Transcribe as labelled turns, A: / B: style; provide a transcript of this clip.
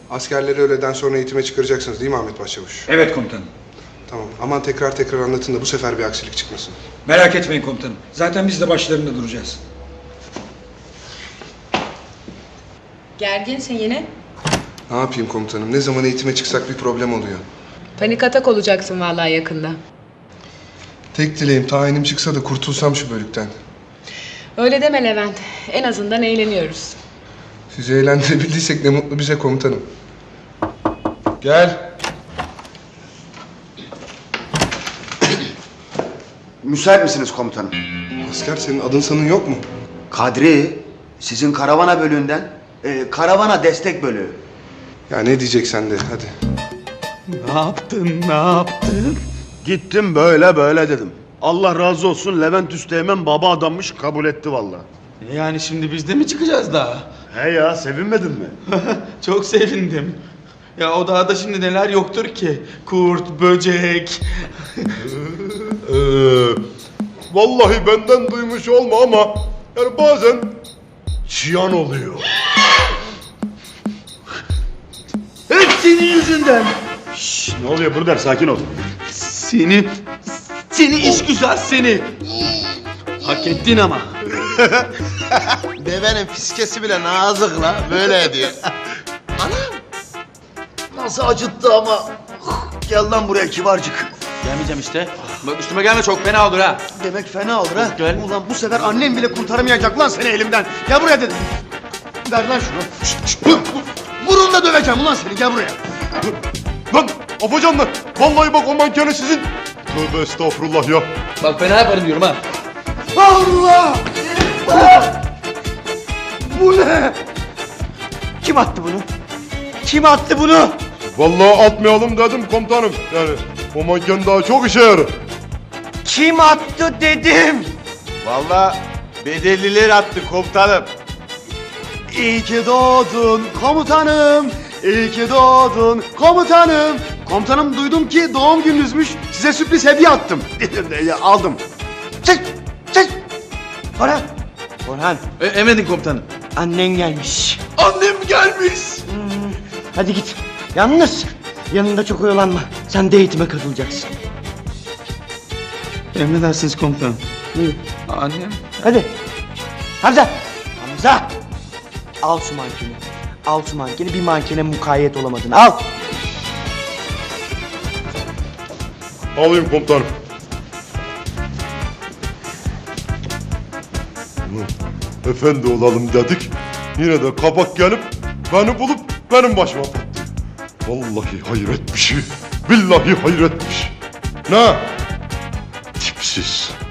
A: Askerleri öğleden sonra eğitime çıkaracaksınız değil mi Ahmet Başçavuş?
B: Evet komutanım.
A: Tamam. Aman tekrar anlatın da bu sefer bir aksilik çıkmasın.
B: Merak etmeyin komutanım. Zaten biz de başlarında duracağız.
C: Gerginsin yine.
A: Ne yapayım komutanım? Ne zaman eğitime çıksak bir problem oluyor.
C: Panik atak olacaksın vallahi yakında.
A: Tek dileğim tayinim çıksa da kurtulsam şu bölükten.
C: Öyle deme Levent. En azından eğleniyoruz.
A: Sizi eğlendirebildiysek ne mutlu bize komutanım. Gel.
D: Müsait misiniz komutanım?
A: Asker senin adın sanın yok mu?
D: Kadri, sizin karavana bölüğünden. Karavana destek bölüğü.
A: Ya ne diyeceksen de hadi.
E: Ne yaptın?
F: Gittim böyle dedim. Allah razı olsun, Levent Üsteğmen baba adammış, kabul etti vallahi.
E: Yani şimdi biz de mi çıkacağız daha?
F: He ya, sevinmedin mi?
E: Çok sevindim. Ya o dağda şimdi neler yoktur ki? Kurt, böcek.
F: Vallahi benden duymuş olma ama yani bazen çiyan oluyor.
E: Hep senin yüzünden.
F: Şşş, ne oluyor Burder, sakin ol.
E: Seni iş güzel seni. Hak ettin ama.
G: Devenin fiskesi bile nazık la, böyle ediyor.
D: Nasıl acıttı ama. Gel lan buraya kibarcık.
E: Gelmeyeceğim işte. Bak üstüme gelme, çok fena olur ha.
D: Demek fena olur ha.
E: Gel.
D: Ulan bu sefer annem bile kurtaramayacak lan seni elimden. Gel buraya dedim. Ver lan şunu. Burunla döveceğim ulan seni, gel buraya.
F: Lan afacanlar, vallahi bak o mankeni sizin. Tövbe estağfurullah ya.
E: Bak fena yaparım diyorum ha.
D: Allah! Bu ne? Kim attı bunu? Kim attı bunu?
F: Vallahi atmayalım dedim komutanım. Yani o manken daha çok işe yarar.
D: Kim attı dedim.
G: Vallahi bedelliler attı komutanım.
D: İyi ki doğdun komutanım. İyi ki doğdun komutanım. Komutanım, duydum ki doğum gününüzmüş. Size sürpriz hediye attım. Aldım. Çek! Orhan! Orhan,
E: Emredin komutanım.
D: annen gelmiş.
E: Annem gelmiş.
D: Hadi git. Yalnız yanında çok oyalanma. Sen de eğitime katılacaksın.
E: Emredersiniz komutanım.
D: Buyur.
E: Annem.
D: Hadi. Hamza! Al şu mankeni. Al şu mankeni. Bir mankene mukayyet olamadın. Al.
F: Alayım komutanım. Ulan, efendi olalım dedik. Yine de kabak gelip beni bulup benim başıma patlıyor. Vallahi hayret bir şey. Billahi hayret bir şey. Ne? Tipsiz.